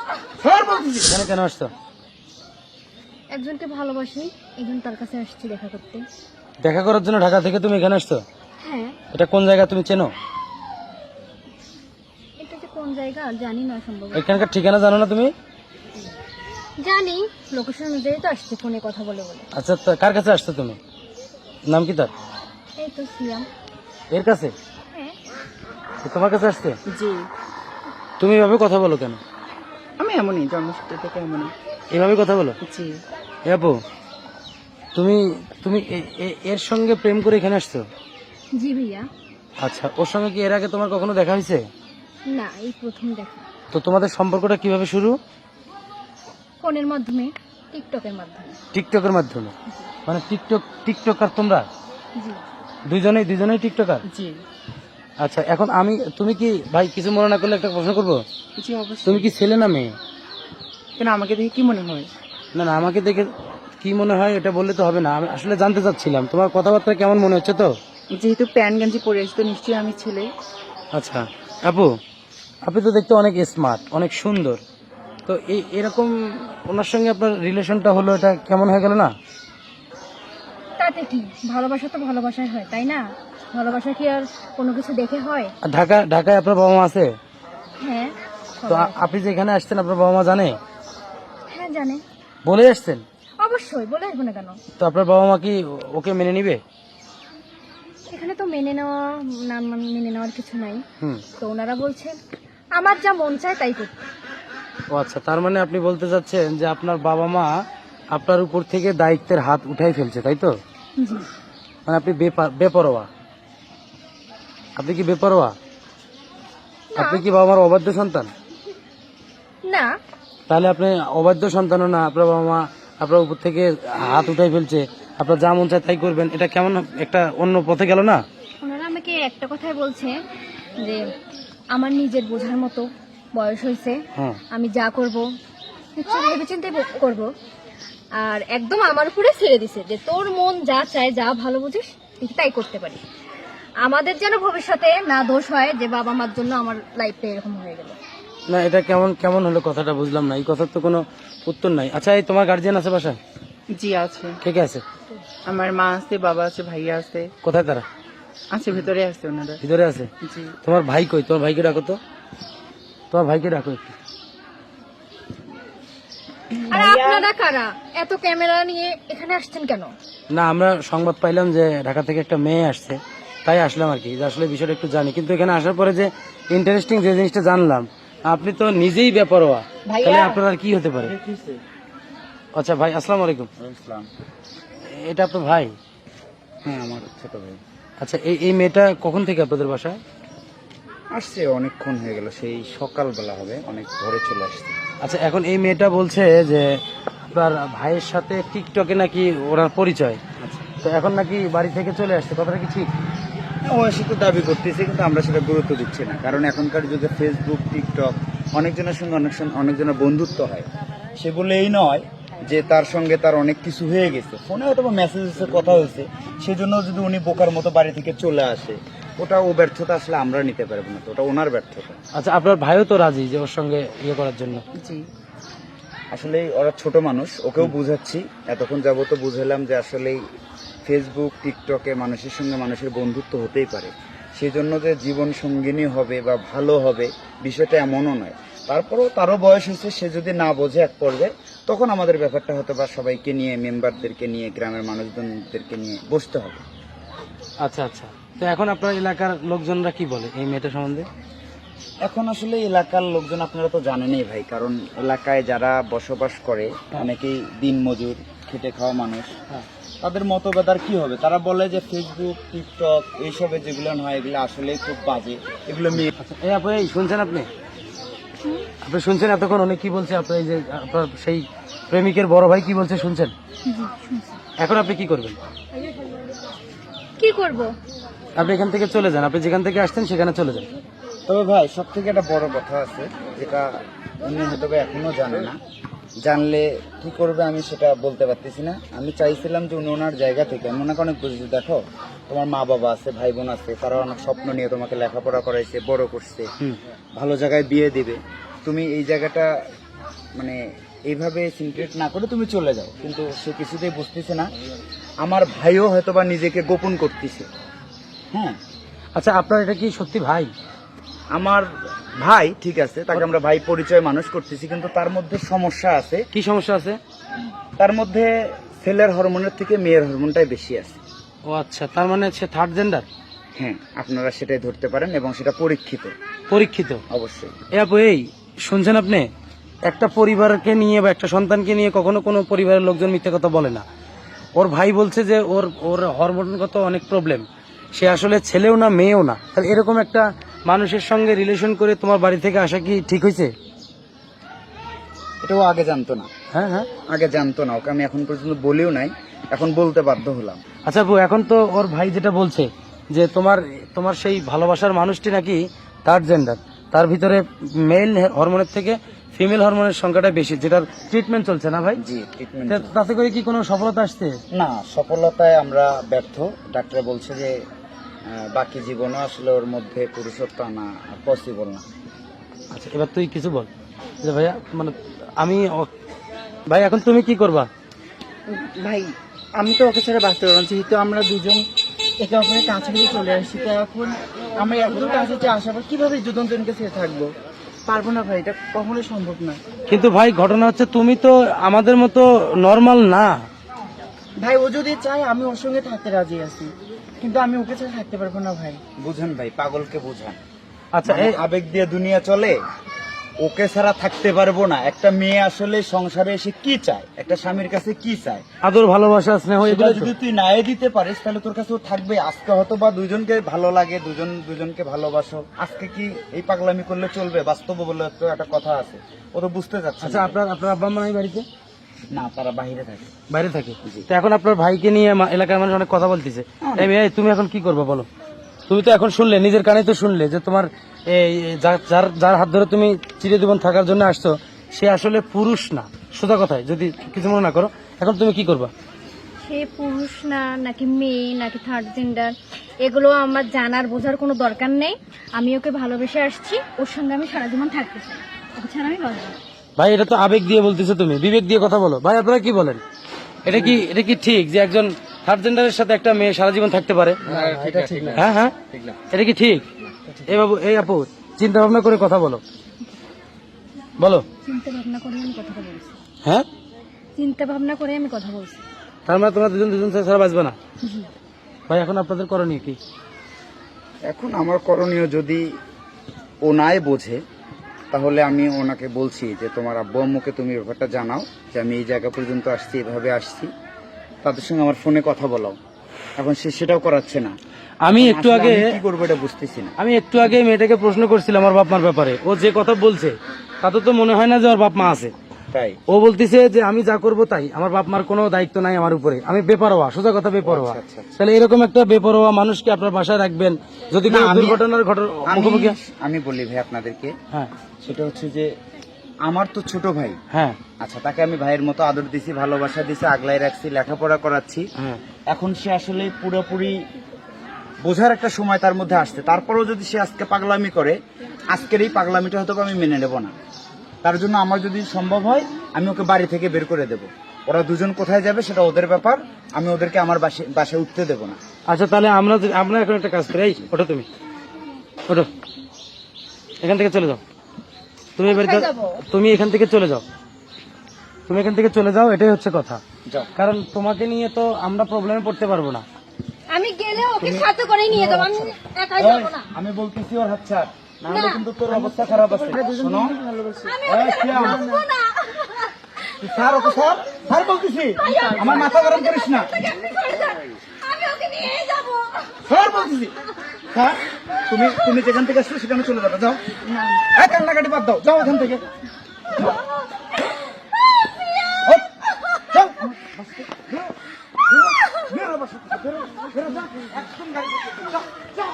এখানে কেন আসছো? একজনকে ভালোবাসি, একজন তার কাছে আসছি দেখা করতে। দেখা করার জন্য ঢাকা থেকে তুমি এখানে আসছো? হ্যাঁ। এটা কোন জায়গা তুমি চেনো? এটা যে কোন জায়গা জানি না, সম্ভব এখানকার ঠিকানা জানো না তুমি? জানি, লোকেশন অনুযায়ী তো আসছে ফোনে কথা বলে বলে। আচ্ছা, তো কার কাছে আসছো তুমি? নাম কি তার? এই তো সিয়াম। এর কাছে? হ্যাঁ। তো তোমার কাছে আসছে? জি, তুমি এভাবে কথা বলো কেন? আমি এমনই জন্মসূত্র থেকে এমনই। এভাবে কথা বলো? জি, এ আপু, তুমি তুমি এর সঙ্গে প্রেম করে এখানে আসছো? জি ভাইয়া। আচ্ছা, ওর সঙ্গে কি এর আগে তোমার কখনো দেখা হয়েছে? না, এই প্রথম দেখা। তো তোমাদের সম্পর্কটা কিভাবে শুরু? ফোনের মাধ্যমে, টিকটকের মাধ্যমে। টিকটকের মাধ্যমে? মানে টিকটকার তোমরা জি। দুজনেই টিকটকার? জি, আচ্ছা, এখন তুমি কি ভাই কিছু মনে না করলে একটা প্রশ্ন করবো? জি অবশ্যই। তুমি কি ছেলে না মেয়ে? কেন আমাকে দেখে কি মনে হয়? না না, আমাকে দেখে কি মনে হয় এটা বললে তো হবে না। আমি আসলে জানতে চাচ্ছিলাম তোমার কথাবার্তা কেমন মনে হচ্ছে তো। যেহেতু প্যান্ট গেঞ্জি পরে আসি তো নিশ্চয়ই আমি ছেলে। আচ্ছা আপু, আপনি তো দেখতে অনেক স্মার্ট, অনেক সুন্দর। তো এরকম ওনার সঙ্গে আপনার রিলেশনটা হলো, এটা কেমন হয়ে গেল না? তাতে কি, ভালোবাসা তো ভালোবাসাই হয়, তাই না? ভালোবাসা কি আর কোনো কিছু দেখে হয়? আর ঢাকায় আপনার বাবা মা আছে? হ্যাঁ। তো সবাই। আপনি যে এখানে আসছেন আপনার বাবা মা জানে? হ্যাঁ জানে। বলে আসছেন? অবশ্যই, বলে আসবো না কেন? তো আপনার বাবা মা কি ওকে মেনে নিবে? এখানে তো মেনে নেওয়ার কিছু নাই। হুম। তো ওনারা বলছে আমার যা মন চায় তাই করতে। ও আচ্ছা, তার মানে আপনি বলতে চাচ্ছেন যে আপনার বাবা মা আপনার উপর থেকে দায়িত্বের হাত উঠাই ফেলছে, তাই তো? জি। মানে আপনি বেপরোয়া? আপনি কি বেপরোয়া? না। আপনি কি বাবা মার অবাধ্য সন্তান? না। তাহলে আপনি অবাধ্য সন্তানও না, আপনার বাবা মা আপনার উপর থেকে হাত উঠাই ফেলছে, আপনার যা মন চায় তাই করবেন, এটা কেমন একটা অন্য পথে গেল না? ওনারা আমাকে একটা কথাই বলছে যে আমার নিজের বোঝার মতো বয়স হয়েছে, হ্যাঁ। আমি যা করব নিশ্চয়ই ভেবেচিন্তে করব। আর একদম আমার উপরে ছেড়ে দিছে যে তোর মন যা চায়, যা ভালো বুঝিস তুই তাই করতে পারিস। আমাদের যেন ভবিষ্যতে না দোষ হয় যে বাবা মার জন্য আমার লাইফটা এরকম হয়ে গেল। না, এটা কেমন হলো কথাটা বুঝলাম না, এই কথার তো কোনো উত্তর নাই। আচ্ছা, এই তোমার গার্জিয়ান আছে বাসায়? জি আছে, কে কে আছে? আমার মা আছে, বাবা আছে, ভাইয়া আছে। কোথায় তারা? আছে, ভেতরে আছে ওনারা। ভিতরে আছে? জি, তোমার ভাই কই? তোমার ভাইকে ডাকো তো, তোমার ভাইকে ডাকো একটু। আর আপনারা কারা এত ক্যামেরা নিয়ে এখানে আসছেন কেন? না, আমরা সংবাদ পাইলাম যে ঢাকা থেকে একটা মেয়ে আসছে, তাই আসলাম আর কি, যে আসলে বিষয়টা একটু জানি। কিন্তু এখানে আসার পরে যে ইন্টারেস্টিং যে জিনিসটা জানলাম, আপনি তো নিজেই বেপরোয়া, তাহলে আপনার আর কি হতে পারে? আচ্ছা ভাই, আসসালামু আলাইকুম। এটা আপনার ভাই? হ্যাঁ, আমার ছোট ভাই। আচ্ছা, এই মেয়েটা কখন থেকে আপনাদের বাসায় আসছে অনেকক্ষণ হয়ে গেল, সেই সকালবেলা হবে, অনেক ভোরে চলে আসছে। আচ্ছা, এখন এই মেয়েটা বলছে যে আপনার ভাইয়ের সাথে টিকটকে নাকি ওনার পরিচয়। তো এখন নাকি বাড়ি থেকে চলে আসছে, কথাটা কি ঠিক? ও সেটা দাবি করতেছে, কিন্তু আমরা সেটা গুরুত্ব দিচ্ছি না, কারণ এখনকার যুগে ফেসবুক, টিকটক অনেকজনের সঙ্গে অনেকজনের বন্ধুত্ব হয়। সে বলে এই নয় যে তার সঙ্গে তার অনেক কিছু হয়ে গেছে, ফোনে হয়তো মেসেজে কথা হয়েছে, সেজন্য যদি উনি বোকার মতো বাড়ি থেকে চলে আসে, ওটা ও ব্যর্থতা আসলে আমরা নিতে পারবো না, তো ওটা ওনার ব্যর্থতা। আচ্ছা, আপনার ভাইও তো রাজি যে ওর সঙ্গে ইয়ে করার জন্য? জি। আসলে ওরা ছোট মানুষ, ওকেও বুঝাচ্ছি, এতক্ষণ যাবত বুঝালাম যে আসলে ফেসবুক, টিকটকে মানুষের সঙ্গে মানুষের বন্ধুত্ব হতেই পারে, সেই জন্য যে জীবন সঙ্গিনী হবে বা ভালো হবে বিষয়টা এমনও নয়। তারপরেও তারও বয়স হয়েছে, সে যদি না বোঝে এক পর্যায়ে, তখন আমাদের ব্যাপারটা হয়তো বা সবাইকে নিয়ে, মেম্বারদেরকে নিয়ে, গ্রামের মানুষজনদেরকে নিয়ে বসতে হবে। আচ্ছা আচ্ছা, তো এখন আপনার এলাকার লোকজনরা কি বলে এই মেয়েটা সম্বন্ধে? এখন আসলে এলাকার লোকজন আপনারা তো জানেনই ভাই, কারণ এলাকায় যারা বসবাস করে অনেকেই দিনমজুর, খেটে খাওয়া মানুষ, তাদের মতভেদ আর কি হবে। তারা বলে যে ফেসবুক, টিকটক এইসবে যেগুলো হয় এগুলো আসলে খুব বাজে, এগুলো মেয়ে। আচ্ছা, এই আপু, এই শুনছেন আপনি? আপনি শুনছেন এতক্ষণ উনি কি বলছে? আপনার এই যে আপনার সেই প্রেমিকের বড় ভাই কি বলছে শুনছেন? এখন আপনি কি করবেন? কি করব? আপনি এখান থেকে চলে যান, আপনি যেখান থেকে আসছেন সেখানে চলে যান। তবে ভাই সব থেকে একটা বড় কথা আছে, যেটা উনি হয়তো বা এখনো জানে না, জানলে কি করবে আমি সেটা বলতে পারতেছি না। আমি চাইছিলাম যে উনি ওনার জায়গা থেকে, আমি ওনাকে অনেক বুঝেছি, দেখো তোমার মা বাবা আছে, ভাই বোন আছে, তারা অনেক স্বপ্ন নিয়ে তোমাকে লেখাপড়া করাইছে, বড় করছে, ভালো জায়গায় বিয়ে দিবে, তুমি এই জায়গাটা মানে এইভাবে সিনক্রেট না করে তুমি চলে যাও, কিন্তু সে কিছুতেই বুঝতেছে না। আমার ভাইও হয়তোবা নিজেকে গোপন করতেছে। হ্যাঁ, আচ্ছা আপনার এটা কি সত্যি ভাই? আমার ভাই ঠিক আছে, তাকে আমরা ভাই পরিচয় মানুষ করতেছি, কিন্তু তার মধ্যে সমস্যা আছে। কি সমস্যা আছে? তার মধ্যে ছেলের হরমোনের থেকে মেয়ের হরমোনটাই বেশি আছে। ও আচ্ছা, তার মানে সে থার্ড জেন্ডার? হ্যাঁ, আপনারা সেটাই ধরতে পারেন এবং সেটা পরীক্ষিত। পরীক্ষিত? অবশ্যই। এই শুনছেন আপনি, একটা পরিবারকে নিয়ে বা একটা সন্তানকে নিয়ে কখনো কোনো পরিবারের লোকজন মিথ্যে কথা বলে না। ওর ভাই বলছে যে ওর ওর হরমোনগত অনেক প্রবলেম, সে আসলে ছেলেও না মেয়েও না। তাহলে এরকম একটা মানুষের সঙ্গে রিলেশন করে তোমার বাড়ি থেকে আসা কি ঠিক হয়েছে? এটাও আগে জানতো না। হ্যাঁ হ্যাঁ, আগে জানতো না, ওকে আমি এখন পর্যন্ত বলেও নাই, এখন বলতে বাধ্য হলাম। আচ্ছা আপু, এখন তো ওর ভাই যেটা বলছে যে তোমার তোমার সেই ভালোবাসার মানুষটি নাকি থার্ড জেন্ডার, তার ভিতরে মেল হরমোনের থেকে ফিমেল হরমোনের সংখ্যাটা বেশি, যেটার ট্রিটমেন্ট চলছে না ভাই? জি, ট্রিটমেন্ট। তাতে করে কি কোনো সফলতা আসছে? না, সফলতায় আমরা ব্যর্থ। ডাক্তার বলছে যে বাকি জীবনও আসলে ওর মধ্যে পুরুষত্ব আনা পসিবল না। আচ্ছা এবার তুই কিছু বল যে ভাইয়া, মানে আমি ভাই এখন তুমি কি করবা? ভাই আমি তো ওকে ছাড়া বাঁচতে পারবো না, যেহেতু আমরা দুজন একে অপরের কাছাকাছি চলে আসছি। তো এখন আমরা এত কাছাকাছি আসার পর কিভাবে দুজনকে ছেড়ে থাকবো? পারবো না ভাই, এটা কখনোই সম্ভব না। কিন্তু ভাই ঘটনা হচ্ছে তুমি তো আমাদের মতো নর্মাল না ভাই। ও যদি চায় আমি ওর সঙ্গে থাকতে রাজি আছি, কিন্তু আমি ওকে ছাড়া থাকতে পারবো না ভাই। বুঝেন ভাই, পাগলকে বুঝান। আচ্ছা মানে আবেগ দিয়ে দুনিয়া চলে, ওকে ছাড়া থাকতে পারবো না। একটা মেয়ে আসলে সংসারে এসে কি চায়, একটা স্বামীর কাছে কি চায়, আদর ভালোবাসা স্নেহ, এগুলো এগুলো যদি তুই নাই দিতে পারিস তাহলে তোর কাছে ও থাকবে। আজকে হয়তো বা দুজনকে ভালো লাগে, দুজনকে ভালোবাসো, আজকে কি এই পাগলামি করলে চলবে? বাস্তব বলে তো একটা কথা আছে, ও তো বুঝতে চাচ্ছে আচ্ছা না। আপনার আব্বা আম্মা নাই বাড়িতে? না, তারা বাইরে থাকে। বাইরে থাকে? তো এখন আপনার ভাইকে নিয়ে এলাকার মানুষ অনেক কথা বলতেছে। এই মেয়ে, তুমি এখন কি করবে বলো? তুমি তো এখন শুনলে, নিজের কানে তো শুনলে যে তোমার এই যার হাত ধরে তুমি চিরজীবন থাকার জন্য আসছো, সে আসলে পুরুষ না। সোজা কথায় যদি কিছু মনে না করো, এখন তুমি কি করবা? সে পুরুষ না নাকি মেয়ে নাকি থার্ড জেন্ডার এগুলো আমার জানার বোঝার কোনো দরকার নেই। আমি ওকে ভালোবেসে আসছি, ওর সঙ্গে আমি সারা জীবন থাকতে চাই, ওকে ছাড়া আমি বাঁচব না। ভাই এটা তো আবেগ দিয়ে বলতেছো, তুমি বিবেক দিয়ে কথা বলো। ভাই আপনারা কি বলেন, এটা কি ঠিক যে একজন থার্ড জেন্ডারের সাথে একটা মেয়ে সারা জীবন থাকতে পারে? হ্যাঁ হ্যাঁ, এটা কি ঠিক? এই বাবু, এই আপু, চিন্তা ভাবনা করে কথা বলো, বলো। চিন্তা ভাবনা করে আমি কথা বলছি। হ্যাঁ, চিন্তা ভাবনা করে আমি কথা বলছি। তার মানে তোমরা দুজন ছাড়া বাঁচবে না? ভাই এখন আপনাদের করণীয় কি? এখন আমার করণীয়, যদি ও নাই বোঝে তাহলে আমি ওনাকে বলছি যে তোমার আব্বু আম্মুকে তুমি ব্যাপারটা জানাও যে আমি এই জায়গা পর্যন্ত আসছি, এভাবে আসছি, তাদের সঙ্গে আমার ফোনে কথা বলাও। এখন সে সেটাও করাচ্ছে না। আমি একটু আসলে আগে আমি কি করবো এটা বুঝতেছি না। মেয়েটাকে প্রশ্ন করছিলাম আমার বাপ মার ব্যাপারে। ও যে কথা বলছে তাতে তো মনে হয় না যে ওর বাপ মা আছে। তাই ও বলতেছে যে আমি যা করব তাই, আমার বাপ মার কোনো দায়িত্ব নাই আমার উপরে, আমি বেপরোয়া, সোজা কথা বেপরোয়া। আচ্ছা, আচ্ছা। তাহলে এরকম একটা বেপরোয়া মানুষকে আপনার বাসায় রাখবেন যদি কোনো দুর্ঘটনার মুখোমুখি? আমি বলি ভাই আপনাদেরকে, হ্যাঁ সেটা হচ্ছে যে আমার তো ছোট ভাই। হ্যাঁ আচ্ছা, তাকে আমি ভাইয়ের মতো আদর দিছি, ভালোবাসা দিছি, আগলাই রাখছি, লেখাপড়া করাচ্ছি। হ্যাঁ, এখন সে আসলে পুরোপুরি বোঝার একটা সময় তার মধ্যে আসছে। তারপরেও যদি সে আজকে পাগলামি করে, আজকের এই পাগলামিটা হয়তো আমি মেনে নেব না। তার জন্য আমার যদি সম্ভব হয় আমি ওকে বাড়ি থেকে বের করে দেব। ওরা দুজন কোথায় যাবে সেটা ওদের ব্যাপার, আমি ওদেরকে আমার বাসায় উঠতে দেব না। আচ্ছা তাহলে আমরা এখন একটা কাজ করি। এই ওঠো, ওঠো, এখান থেকে চলে যাও। তুমি তুমি এখান থেকে চলে যাও, তুমি এখান থেকে চলে যাও, এটাই হচ্ছে কথা। যাও। কারণ তোমাকে নিয়ে তো আমরা প্রবলেমে পড়তে পারবো না। আমি গেলে ওকে সাথে করে নিয়ে যাবো, আমি একাই যাবো না। আমি বলতেছি ওর হাত ছাড়, না হলে কিন্তু তোর অবস্থা খারাপ আছে। শোনো, আমি ওকে যাবো না। স্যার ওকে স্যার বলতেছি, আমার মাথা গরম করিস না। আমি ওকে নিয়ে যাবো। স্যার বলতেছি, স্যার তুমি যেখান থেকে আসছো সেখানে চলে যাবে। যাও, কান্নাকাটি বাদ দাও, যাও এখান থেকে। যাও,